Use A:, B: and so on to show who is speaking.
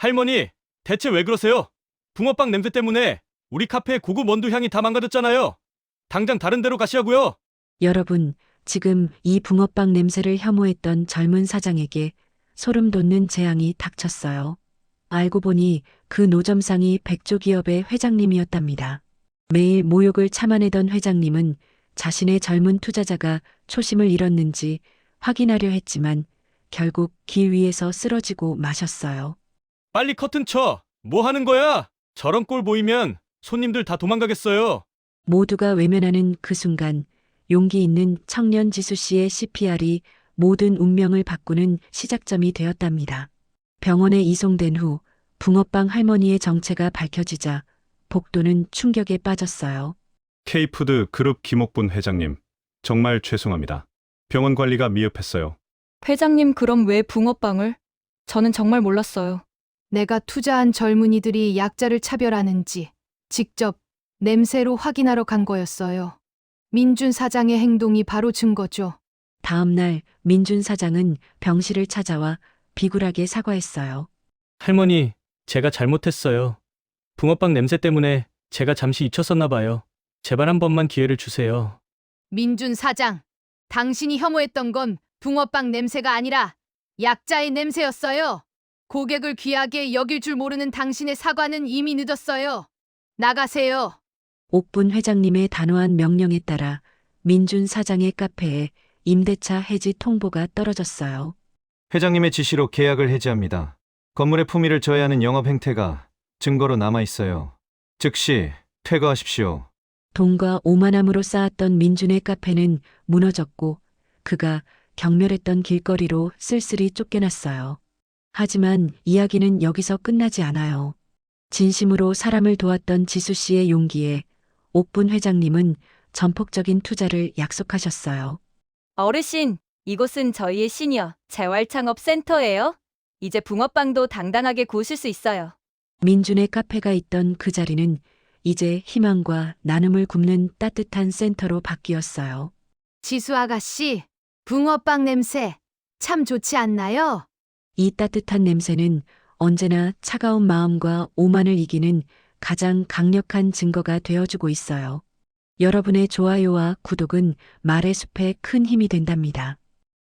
A: 할머니, 대체 왜 그러세요? 붕어빵 냄새 때문에 우리 카페의 고급 원두 향이 다 망가졌잖아요. 당장 다른 데로 가시라고요.
B: 여러분, 지금 이 붕어빵 냄새를 혐오했던 젊은 사장에게 소름 돋는 재앙이 닥쳤어요. 알고 보니 그 노점상이 백조기업의 회장님이었답니다. 매일 모욕을 참아내던 회장님은 자신의 젊은 투자자가 초심을 잃었는지 확인하려 했지만 결국 길 위에서 쓰러지고 마셨어요.
A: 빨리 커튼 쳐. 뭐 하는 거야? 저런 꼴 보이면 손님들 다 도망가겠어요.
B: 모두가 외면하는 그 순간 용기 있는 청년 지수 씨의 CPR이 모든 운명을 바꾸는 시작점이 되었답니다. 병원에 이송된 후 붕어빵 할머니의 정체가 밝혀지자 복도는 충격에 빠졌어요.
C: K푸드 그룹 김옥분 회장님, 정말 죄송합니다. 병원 관리가 미흡했어요.
D: 회장님, 그럼 왜 붕어빵을? 저는 정말 몰랐어요.
E: 내가 투자한 젊은이들이 약자를 차별하는지 직접 냄새로 확인하러 간 거였어요. 민준 사장의 행동이 바로 증거죠.
B: 다음 날 민준 사장은 병실을 찾아와 비굴하게 사과했어요.
A: 할머니, 제가 잘못했어요. 붕어빵 냄새 때문에 제가 잠시 잊혔었나 봐요. 제발 한 번만 기회를 주세요.
E: 민준 사장, 당신이 혐오했던 건 붕어빵 냄새가 아니라 약자의 냄새였어요. 고객을 귀하게 여길 줄 모르는 당신의 사과는 이미 늦었어요. 나가세요.
B: 옥분 회장님의 단호한 명령에 따라 민준 사장의 카페에 임대차 해지 통보가 떨어졌어요.
F: 회장님의 지시로 계약을 해지합니다. 건물의 품위를 저해하는 영업 행태가 증거로 남아 있어요. 즉시 퇴거하십시오.
B: 돈과 오만함으로 쌓았던 민준의 카페는 무너졌고 그가 경멸했던 길거리로 쓸쓸히 쫓겨났어요. 하지만 이야기는 여기서 끝나지 않아요. 진심으로 사람을 도왔던 지수 씨의 용기에 옥분 회장님은 전폭적인 투자를 약속하셨어요.
D: 어르신, 이곳은 저희의 시니어 재활창업센터예요. 이제 붕어빵도 당당하게 구우실 수 있어요.
B: 민준의 카페가 있던 그 자리는 이제 희망과 나눔을 굽는 따뜻한 센터로 바뀌었어요.
E: 지수 아가씨, 붕어빵 냄새 참 좋지 않나요?
B: 이 따뜻한 냄새는 언제나 차가운 마음과 오만을 이기는 가장 강력한 증거가 되어주고 있어요. 여러분의 좋아요와 구독은 말의 숲에 큰 힘이 된답니다.